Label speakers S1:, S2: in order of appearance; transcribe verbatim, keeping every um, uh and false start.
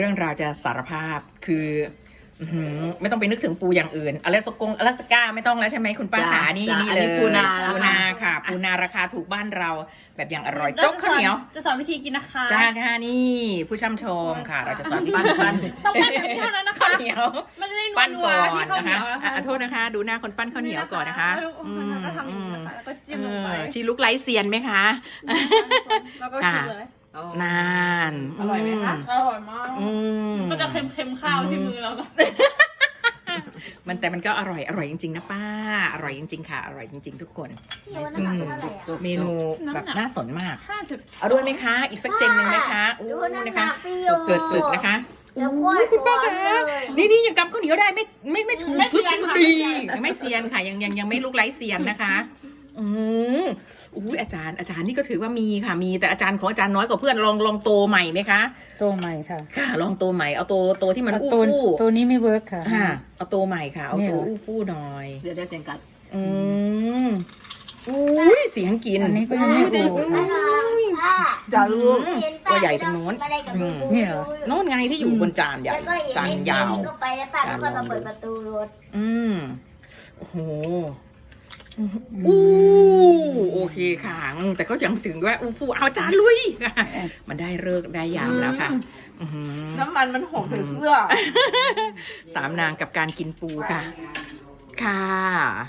S1: เรื่องราวจะสารภาพคือไม่ต้องไปนึกถึงปูอย่างอื่นอลาสกงอลาสก้าไม่ต้องแล้วใช่ไหมคุณป้าขานี่นี่เลย
S2: ปูนา
S1: ปูนาค่ะปูนาราคาถูกบ้านเราแบบอย่างอร่อยโจ๊กข้าวเหนียว
S3: จะสอนวิธีกินนะคะ
S1: จ้าค่ะนี่ผู้ช่ำชมค่ะ เราจะสอนที่ปั้นปั้น
S3: ต้องปั้นแบบเท่านั้นนะคะ
S1: ข้าวเหนียว
S3: มันจะได้นัว
S1: ปั้น
S3: นัว
S1: ก่อน
S3: ที่ข้าว
S1: นะ
S3: เหนี
S1: คะ
S3: ยวนะคะ
S1: อ่ะโทษนะคะ ดูหน้าคนปั้นข้าวเหนียวก่อนนะคะ
S3: แล้วก็ทำอย่างนี้นะคะแล้วก็จิ้มลงไป
S1: เออชีลุกไลท์เซียนไหมคะ
S3: แล้วก็กินเลย
S1: นาน
S2: อร่อยไหมคะ
S3: อร่อยมาก
S1: อืม
S3: ก็จะเค็มๆข้าวที่มือเรา
S1: มันแต่มันก็อร่อยอร่อยจริงๆนะป้าอร่อยจริงๆค่ะอร่อยจริงๆทุกคน
S4: พี่ว่าน้ำหนักเท่าไหร่อะ
S1: เมนูแบบน่าสนมาก
S3: ห้าจุด
S1: เอาด้วยไหมคะ อีกสักเจนหนึ่งไหมคะอู้
S4: ดูน้ำห
S1: นะคะ
S4: นักพี่
S1: จบเจิดศึกนะคะ
S4: แล้ว
S1: อู้
S4: ก็
S1: คุณป้าคะ
S4: เลย
S1: นี่นี่ยังกำข้าวเหนียวได้ไม่ไม่ไม่ถูกทุกสุดดียังไม่เซียนค่ะยังยังยังไม่ลุกไร้เซียนนะคะอืมอุ้ยอาจารย์อาจารย์นี่ก็ถือว่ามีค่ะมีแต่อาจารย์ของอาจารย์น้อยกว่าเพื่อนลองลองโตใหม่ไหมคะ
S5: ตัวใหม่ค่ะ
S1: ค่ะลองโตใหม่เอาโตโตที่มันอู้
S5: ตัว
S1: ฟู่
S5: ตัวนี้ไม่เวิร์กค่ะ
S1: ค่ะเอาโตใหม่ค่ะเอา
S5: เนี่
S1: โต
S5: ย
S1: อู้ฟู่หน่อย
S2: เดี๋ยวได้เสียงกัด
S1: อืมอุ้ยเสียงกิน
S5: อันนี้ก็ยังไม่ถูก
S1: อุ้ย
S4: ค่ะ
S2: จะรู้
S1: ตัวใหญ่ตรงโน้น
S4: อืม
S5: เนี่ยเหรอ
S1: โน่นไงที่อยู่บนจานใหญ่
S4: แล้วก็อีก
S1: จาน
S4: นิด
S1: ยาว
S4: ก็ไปแล้วป้าก็ค่อยมาเปิดประตูรถ
S1: อืมโอ้โหอู้โอเคค่ะอืมแต่ก็ยังถึงว่าอู้ฟูเอาจานลุย มันได้เลิกษ์ได้ยามแล้วค่ะอื้อหือ
S2: น้ำมันมันหอมถึงเสื้อ
S1: สามนางกับการกินปูค่ะ ค่ะ